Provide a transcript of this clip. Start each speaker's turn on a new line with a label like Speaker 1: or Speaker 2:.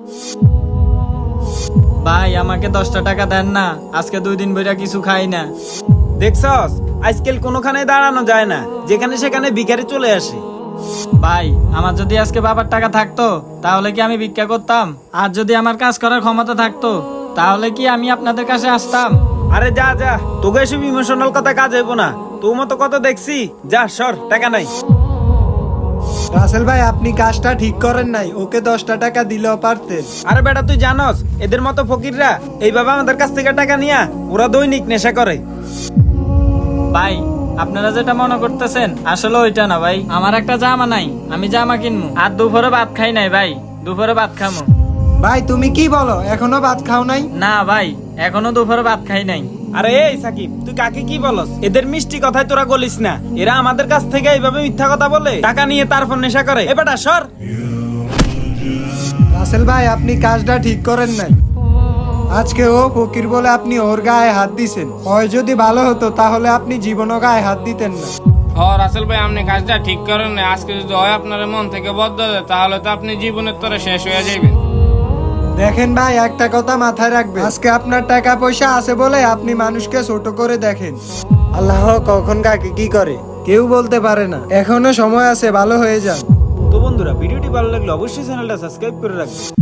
Speaker 1: ভাই আমাকে 10টা টাকা দেন না, আজকে 2 দিন বইরা কিছু খাই না।
Speaker 2: দেখছস আজকাল কোনোখানে দাঁড়ানো যায় না, যেখানে সেখানে ভিখারি চলে আসে।
Speaker 1: ভাই আমার যদি আজকে বাবার টাকা থাকতো তাহলে কি আমি ভিক্ষা করতাম? আর যদি আমার কাজ করার ক্ষমতা থাকতো তাহলে কি আমি আপনাদের কাছে আসতাম?
Speaker 2: আরে যা যা, তোকে এসব ইমোশনাল কথা কাজ হইব না। তোর মতো কত দেখছি, যা সর, টাকা নাই।
Speaker 3: রাসেল ভাই আপনি কাজটা ঠিক করেন নাই, ওকে 10টা টাকা দিলেও পারতেন।
Speaker 2: আরে বেটা তুই জানস এদের মতো ফকিররা এইভাবে আমাদের কাছ থেকে টাকা নিয়া ওরা দৈনিক নেশা করে।
Speaker 1: ভাই আপনারা যেটা মনে করতেছেন আসলে ওইটা না ভাই, আমার একটা জামা নাই, আমি জামা কিনবো। আর দুপুরে ভাত খাই নাই ভাই, দুপুরে ভাত খামো।
Speaker 3: ভাই তুমি কি বলো, এখনো ভাত খাও নাই?
Speaker 1: না ভাই এখনো দুপুরে ভাত খাই নাই।
Speaker 2: আরে এই সাকিব, তুই কাকে কি বলস? এদের মিষ্টি কথায় তোরা গলিস না। এরা আমাদের কাছ থেকে এইভাবে মিথ্যা কথা বলে টাকা নিয়ে তারপর নেশা করে। এ বেটা সর।
Speaker 3: রাসেল ভাই আপনি কাজটা ঠিক করেন নাই। আজকে ও ফকির বলে আপনি ওর গায়ে হাত দিছেন। হয় যদি ভালো হতো তাহলে আপনি জীবনও গায়ে হাত দিতেন না।
Speaker 4: রাসেল ভাই আপনি কাজটা ঠিক করেন না। আজকে যদি হয় আপনার মন থেকে বদ্ধ দেয় তাহলে তো আপনি জীবনের তরে শেষ হয়ে যাবেন।
Speaker 3: দেখেন ভাই একটা কথা মাথায় রাখবেন, আজকে আপনার টাকা পয়সা আছে বলে আপনি মানুষকে ছোট করে দেখেন। আল্লাহ কখন কাকে কি করে কেউ বলতে পারে না। এখনো সময় আছে, ভালো হয়ে যান।
Speaker 2: তো বন্ধুরা, ভিডিওটি ভালো লাগলে অবশ্যই চ্যানেলটা সাবস্ক্রাইব করে রাখবেন।